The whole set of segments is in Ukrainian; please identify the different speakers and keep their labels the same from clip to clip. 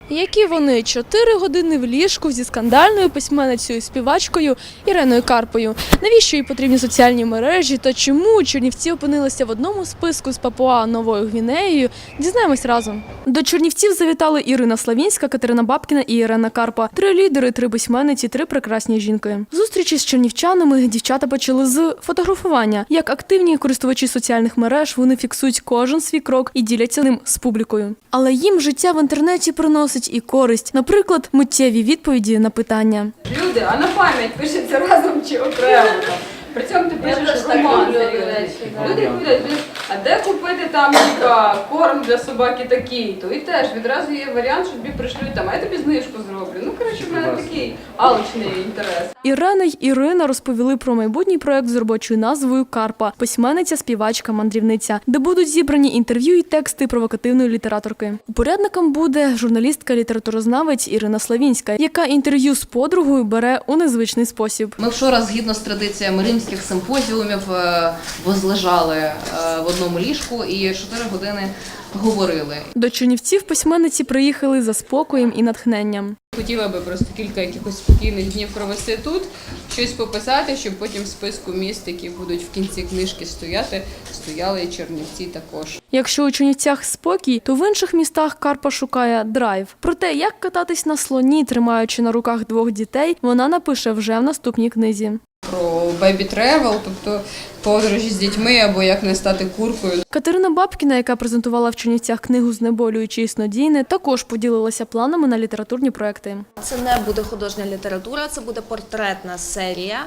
Speaker 1: Які вони 4 години в ліжку зі скандальною письменницею і співачкою Іриною Карпою. Навіщо їй потрібні соціальні мережі та чому Чернівці опинилися в одному списку з Папуа-Новою Гвінеєю, дізнаємось разом. До Чернівців завітали Ірина Славінська, Катерина Бабкіна і Ірина Карпа. 3 лідери, 3 письменниці, 3 прекрасні жінки. Зустрічі з чернівчанами дівчата почали з фотографування. Як активні користувачі соціальних мереж, вони фіксують кожен свій крок і діляться ним з публікою. Але їм життя в інтернеті приносить і користь. Наприклад, миттєві відповіді на питання.
Speaker 2: Люди, а на пам'ять пишеться разом чи окремо? При цьому ти пишеш роман. Люди говорять, а де купити там корм для собаки такий-то? І теж відразу є варіант, що тобі пришлють там, а я тобі знижку зроблю. Ну, коротше, в мене такий алчний інтерес.
Speaker 1: Ірена й Ірина розповіли про майбутній проект з робочою назвою «Карпа» – письменниця, співачка, мандрівниця, де будуть зібрані інтерв'ю і тексти провокативної літераторки. Упорядником буде журналістка-літературознавець Ірина Славінська, яка інтерв'ю з подругою бере у незвичний спосіб.
Speaker 3: Ми вчора, згідно з традиціями римських симпозіумів, возлежали в одному ліжку і 4 години говорили.
Speaker 1: До Чернівців письменниці приїхали за спокоєм і натхненням.
Speaker 2: Хотіла би просто кілька якихось спокійних днів провести тут, щось пописати, щоб потім в списку міст, які будуть в кінці книжки стояли і Чернівці також.
Speaker 1: Якщо у Чернівцях спокій, то в інших містах Карпа шукає драйв. Про те, як кататись на слоні, тримаючи на руках 2 дітей, вона напише вже в наступній книзі.
Speaker 2: Про бейбі-тревел, тобто подорожі з дітьми або як не стати куркою.
Speaker 1: Катерина Бабкіна, яка презентувала в Чернівцях книгу «Знеболююче і снодійне», також поділилася планами на літературні проекти.
Speaker 4: Це не буде художня література, це буде портретна серія.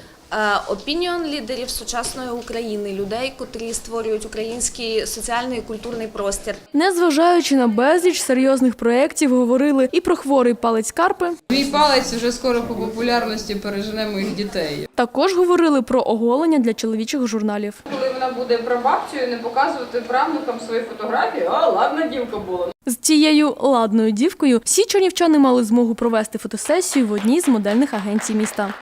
Speaker 4: Опініон лідерів сучасної України, людей, котрі створюють український соціальний і культурний простір.
Speaker 1: Незважаючи на безліч серйозних проєктів, говорили і про хворий палець Карпи.
Speaker 2: Мій палець вже скоро по популярності пережене моїх дітей.
Speaker 1: Також говорили про оголення для чоловічих журналів.
Speaker 2: Коли вона буде прабабцею, не показувати правнукам свої фотографії, а ладна дівка була.
Speaker 1: З цією ладною дівкою всі чернівчани мали змогу провести фотосесію в одній з модельних агенцій міста.